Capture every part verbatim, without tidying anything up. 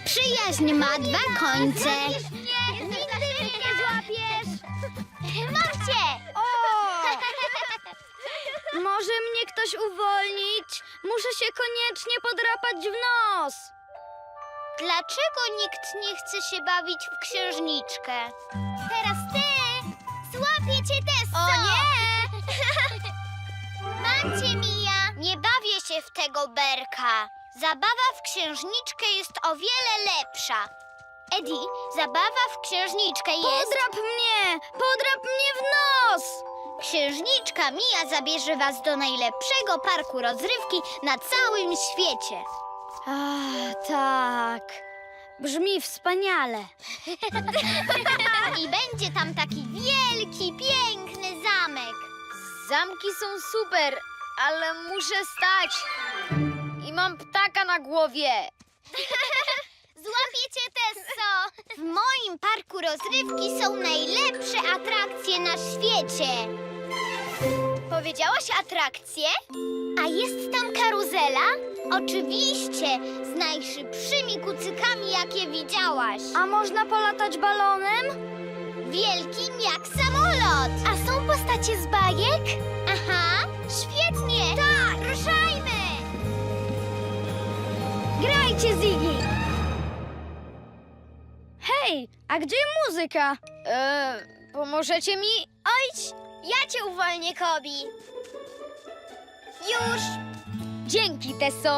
Przyjaźń ma dwa końce. Nie, nigdy mnie nie złapiesz! Mam cię! O! Może mnie ktoś uwolnić? Muszę się koniecznie podrapać w nos. Dlaczego nikt nie chce się bawić w księżniczkę? Teraz ty! Złapię cię, Tesso! O nie! Mam cię, Mija! Nie bawię się w tego berka. Zabawa w księżniczkę jest o wiele lepsza. Eddie, zabawa w księżniczkę jest... Podrap mnie! Podrap mnie w nos! Księżniczka Mija zabierze was do najlepszego parku rozrywki na całym świecie. A, tak. Brzmi wspaniale. I będzie tam taki wielki, piękny zamek. Zamki są super, ale muszę stać. I mam ptaka na głowie. Złapię cię, Tesso! W moim parku rozrywki są najlepsze atrakcje na świecie. Powiedziałaś atrakcje? A jest tam karuzela? Oczywiście, z najszybszymi kucykami, jakie widziałaś. A można polatać balonem? Wielkim jak samolot. A są postacie z bajek? Aha, świetnie. Tak, ruszajmy. Grajcie, Ziggy! Hej, a gdzie muzyka? Eee, pomożecie mi? Ojcz, ja cię uwolnię, Kobi. Już. Dzięki, Tesso.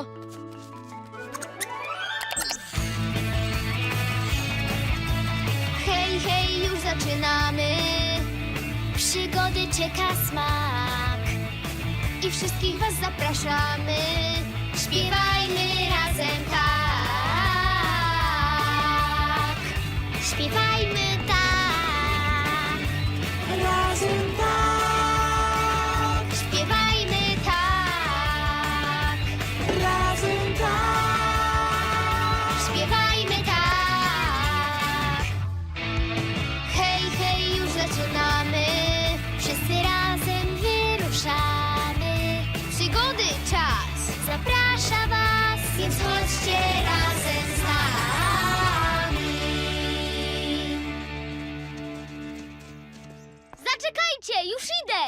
Hej, hej, już zaczynamy. Przygody czeka smak. I wszystkich was zapraszamy. Śpiewajmy razem tak. Śpiewajmy tak. Razem tak. Śpiewajmy tak. Razem tak. Śpiewajmy tak. Hej, hej, już zaczynamy. Wszyscy razem wyruszamy. Przygody czas zaprasza was, więc chodźcie razem z nami. Zaczekajcie, już idę.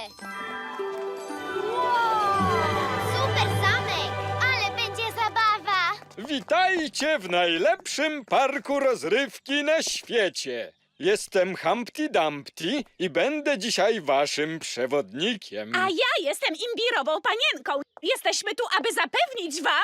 Super zamek, ale będzie zabawa. Witajcie w najlepszym parku rozrywki na świecie. Jestem Humpty Dumpty i będę dzisiaj waszym przewodnikiem. A ja jestem imbirową panienką. Jesteśmy tu, aby zapewnić wam...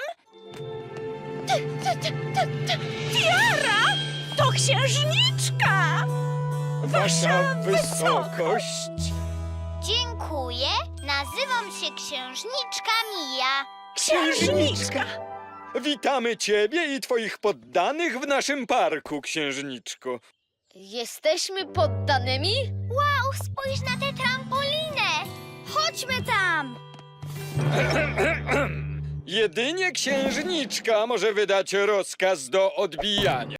Tiara! To księżniczka! Wasza wysokość. Dziękuję. Nazywam się księżniczka Mija. Księżniczka! Witamy ciebie i twoich poddanych w naszym parku, księżniczko. Jesteśmy poddanymi? Wow, spójrz na tę trampolinę. Chodźmy tam! Jedynie księżniczka może wydać rozkaz do odbijania.